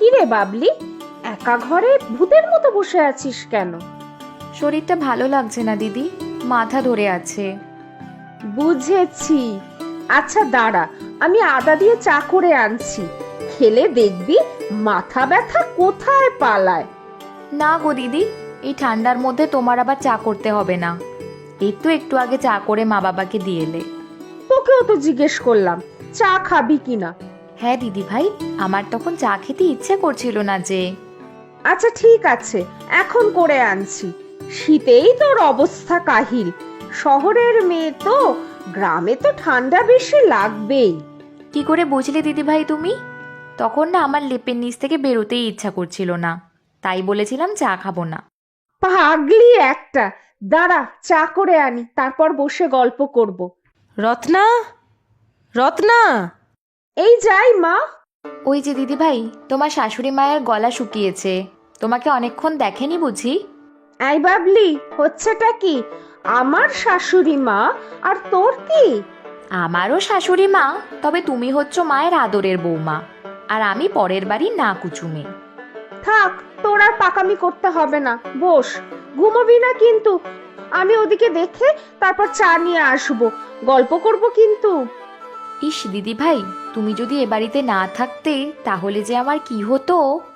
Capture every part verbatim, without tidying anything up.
রে বাবলি, একা ঘরে ভূতের মতো বসে আছিস কেন? শরীরটা ভালো লাগছে না দিদি, মাথা ধরে আছে। বুঝেছি। আচ্ছা দাঁড়া, আমি আদা দিয়ে চা করে আনছি, খেলে দেখবি মাথা ব্যথা কোথায় পালায়। না গো দিদি, এই ঠান্ডার মধ্যে তোমার আবার চা করতে হবে না। এই তো একটু আগে চা করে মা বাবাকে দিয়ে এলে। তোকেও তো জিজ্ঞেস করলাম চা খাবি কিনা। হ্যাঁ দিদি ভাই, আমার তখন চা খেতে ইচ্ছে করছিল না যে। আচ্ছা ঠিক আছে, এখন করে আনছি। শীতেই তোর অবস্থা কাহিল, শহরের মেয়ে তো, গ্রামে তো ঠান্ডা বেশি লাগবেই। কি করে বুঝলে দিদি ভাই তুমি? তখন না আমার লেপের নিচ থেকে বেরোতেই ইচ্ছা করছিল না, তাই বলেছিলাম চা খাবো না। পাগলি একটা, দাঁড়া চা করে আনি, তারপর বসে গল্প করব। রত্না, রত্না! এই যাই মা। ওই যে দিদি ভাই, তোমার শাশুড়ি মায়ের গলা শুকিয়েছে, তোমাকে অনেকক্ষণ দেখেনি বুঝি? এই বাবলি, হচ্ছেটা কি? আমার শাশুড়ি মা আর তোর কি? আমারও শাশুড়ি মা, তবে তুমি হচ্ছ মায়ের আদরের বৌমা, আর আমি পরের বাড়ির না কুচুমে। থাক, তোর আর পাকামি করতে হবে না, বস। ঘুমোবি না কিন্তু, আমি ওদিকে দেখে তারপর চা নিয়ে আসবো, গল্প করব কিন্তু। ইস দিদি ভাই, তুমি যদি এ বাড়িতে না থাকতে তাহলে যে আমার কি হতো।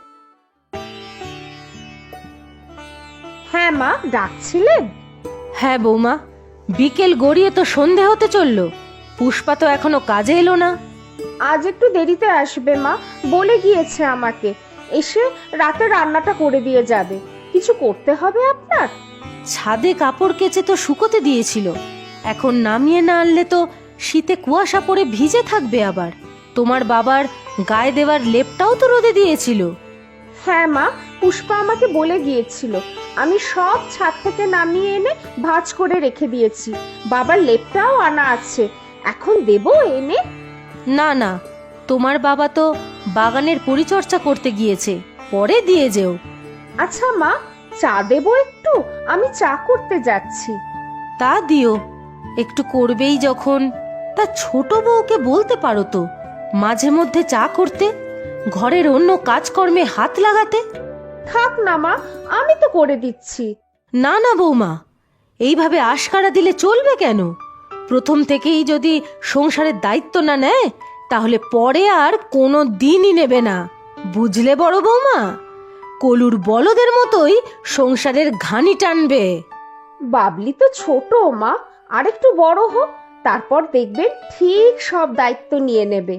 হ্যাঁ মা, ডাকছিলেন? হ্যাঁ বৌমা, বিকেল গড়িয়ে তো সন্ধে হতে চলল, পুষ্পা তো এখনো কাজে এলো না। আজ একটু দেরিতে আসবে মা, বলে গিয়েছে আমাকে, এসে রাতে রান্নাটা করে দিয়ে যাবে। কিছু করতে হবে আপনার? ছাদে কাপড় কেচে তো শুকোতে দিয়েছিল, এখন নামিয়ে না আনলে তো শীতে কুয়াশা পড়ে ভিজে থাকবে। আবার তোমার বাবার গায়ে দেওয়ার লেপটাও তো রোদে দিয়েছিল। হ্যাঁ মা, পুষ্পা আমাকে বলে গিয়েছিল, আমি সব ছাদ থেকে নামিয়ে এনে ভাঁজ করে রেখে দিয়েছি। বাবার লেপটাও আনা আছে, এখন দেবো এনে? না না, তোমার বাবা তো বাগানের পরিচর্যা করতে গিয়েছে, পরে দিয়ে যেও। আচ্ছা মা, চা দেবো একটু, আমি চা করতে যাচ্ছি। তা দিও, একটু করবেই যখন। তা ছোট বউকে বলতে পারো তো মাঝে মধ্যে চা করতে, ঘরের অন্য কাজকর্মে হাত লাগাতে। থাক না মা, আমি তো করে দিচ্ছি। না না বৌমা, এইভাবে আশকারা দিলে চলবে কেন? প্রথম থেকেই যদি সংসারের দায়িত্ব না নেয়, তাহলে পরে আর কোনো দিনই নেবে না, বুঝলে বড় বৌমা? কলুর বলদের মতোই সংসারের ঘানি টানবে। বাবলি তো ছোট মা, আর একটু বড় হোক, তারপর দেখবেন ঠিক সব দায়িত্ব নিয়ে নেবে।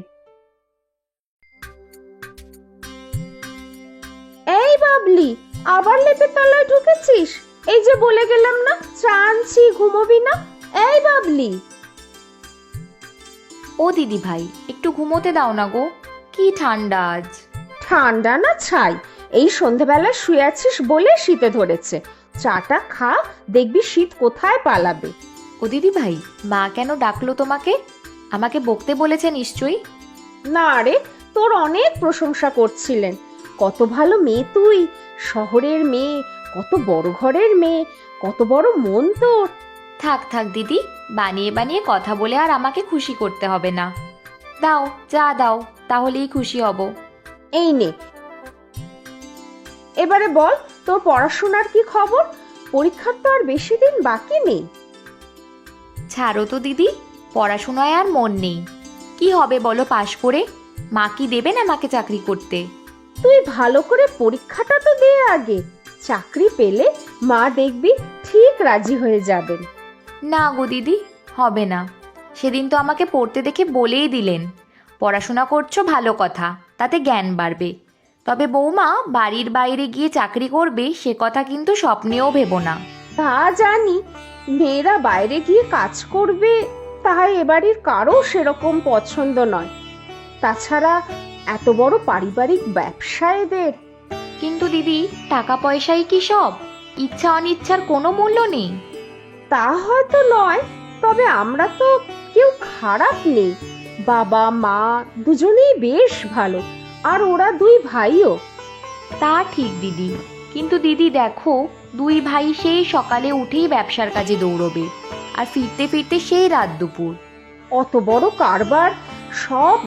এই বাবলি, আবার লেপের তলায় ঢুকেছিস? এই যে বলে গেলাম না চা আনছি, ঘুমোবি না? এই বাবলি! ও দিদি ভাই, একটু ঘুমোতে দাও না গো, কি ঠান্ডা আজ। ঠান্ডা না ছাই, এই সন্ধেবেলা শুয়ে আছিস বলে শীতে ধরেছে। চাটা খা, দেখবি শীত কোথায় পালাবে। ও দিদি ভাই, মা কেন ডাকলো তোমাকে? আমাকে বকতে বলেছে নিশ্চয়ই। না রে, তোর অনেক প্রশংসা করছিলেন, কত ভালো মেয়ে তুই, শহরের মেয়ে, কত বড় ঘরের মেয়ে, কত বড় মন তোর। থাক থাক দিদি, বানিয়ে বানিয়ে কথা বলে আর আমাকে খুশি করতে হবে না। দাও চা দাও, তাহলেই খুশি হব। এই নে, এবারে বল তোর পড়াশোনার কি খবর? পরীক্ষার তো আর বেশি দিন বাকি নেই। ছাড়ো তো দিদি, পড়াশোনায় আর মন নেই। কি হবে বলো পাশ করে? মা কি দেবেন আমাকে চাকরি করতে? তুই ভালো করে পরীক্ষাটা তো দে আগে, চাকরি পেলে মা দেখবি ঠিক রাজি হয়ে যাবেন। না গো দিদি, হবে না। সেদিন তো আমাকে পড়তে দেখে বলেই দিলেন, পড়াশোনা করছো ভালো কথা, তাতে জ্ঞান বাড়বে, তবে বৌমা বাড়ির বাইরে গিয়ে চাকরি করবে সে কথা কিন্তু স্বপ্নেও ভেবো না। তা জানি, মেয়েরা বাইরে গিয়ে কাজ করবে তাই এবাড়ির কারো সেরকম পছন্দ নয়। তাছাড়া এত বড় পারিবারিক ব্যবসা এদের। কিন্তু দিদি, টাকা পয়সাই কি সব? ইচ্ছা অনিচ্ছার কোনো মূল্য নেই। তা হয়তো নয়, তবে আমরা তো কেউ খারাপ নেই, বাবা মা দুজনেই বেশ ভালো, আর ওরা দুই ভাইও। তা ঠিক দিদি, কিন্তু দিদি দেখো, দুই ভাই সেই সকালে উঠেই ব্যবসার কাজে দৌড়বে, আর ফিরতে ফিরতে সেই রাত দুপুর। অত বড় কারবার, সব